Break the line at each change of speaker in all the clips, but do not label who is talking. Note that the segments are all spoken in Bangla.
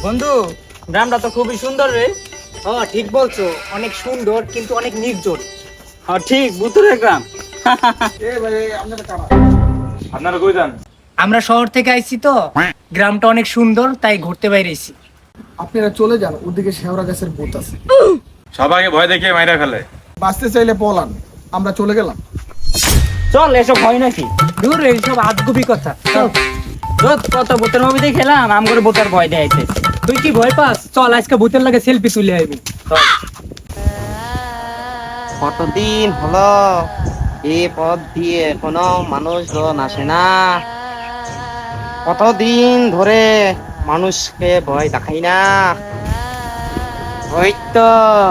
বন্ধু, গ্রামটা তো খুবই সুন্দর রে।
ঠিক বলছো, অনেক সুন্দর কিন্তু অনেক নির্জন।
হ্যাঁ ঠিক, ভুতুরে গ্রাম।
আপনারা কই যান?
আমরা শহর থেকে আইছি তো, গ্রামটা অনেক সুন্দর তাই ঘুরতে বাইরেছি।
আপনারা চলে যান, ওদিকে শেওড়া গাছের ভূত আছে।
সবাইকে ভয় দেখিয়ে মাইরা ফেলে।
বাঁচতে চাইলে পলান, আমরা চলে গেলাম।
চল, এসব হয় নাকি?
দূর এইসব আজগুবি কথা। চল।
রোজ কত ভূতের মুভি দেখে এলাম, আম করে ভূতের ভয় দেখাইছে।
তুই কি ভয় পাস? চল আজকে ভূতের লাগে সেলফি তুলে আইবি।
কতদিন হলো এই পথ দিয়ে কোনো মানুষজন আসে না। কতদিন ধরে মানুষকে ভয় দেখাই না। ওই তো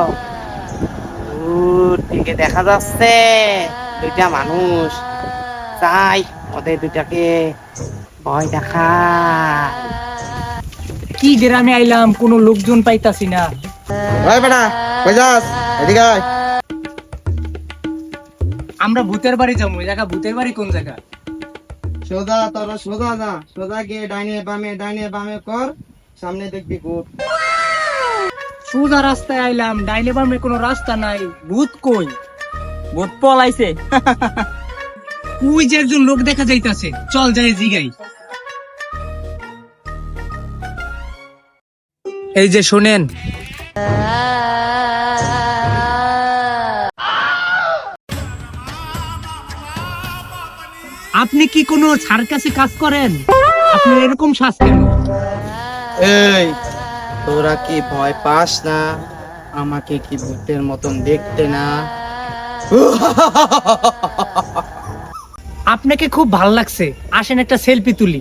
দূর থেকে দেখা যাচ্ছে দুইটা মানুষ, চাই ওদের দুটাকে ভয় দেখা।
কি গ্রামে আইলাম, কোনো লোকজন পাইতাছি না।
ওই বেটা কই যাস? এদিকে আয়।
আমরা ভূতের বাড়ি যাবো। ওই জায়গা ভূতের বাড়ি কোন জায়গা?
সোজা তোরা সোজা যা, সোজা গিয়ে ডাইনে বামে কর, সামনে দেখবি ভূত।
সোজা রাস্তায় আইলাম, ডাইনে বামে কোনো রাস্তা নাই। ভূত কই?
ভূত পলাইছে।
ওই যে একজন লোক দেখা যাইতাছে, চল যাই জিগাই। এই যে শোনেন, আপনি কি কোনো সার্কাসে কাজ করেন? আপনি এরকম শ্বাস কেন?
এই তোরা কি ভয় পাস না? আমাকে কি ভূতের মতন দেখতে না?
আপনাকে খুব ভাল লাগছে, আসেন একটা সেলফি তুলি।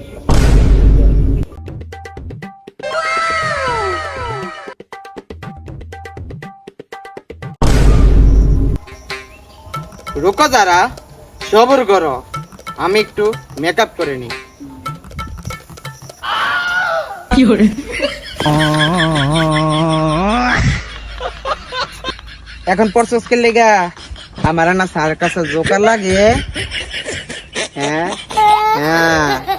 রুকো যারা, সবর করো, আমি একটু মেকআপ করে নি। এখন পরশোস কে লেগা আমার না সার্কাসে জোকার লাগে। হ্যাঁ হ্যাঁ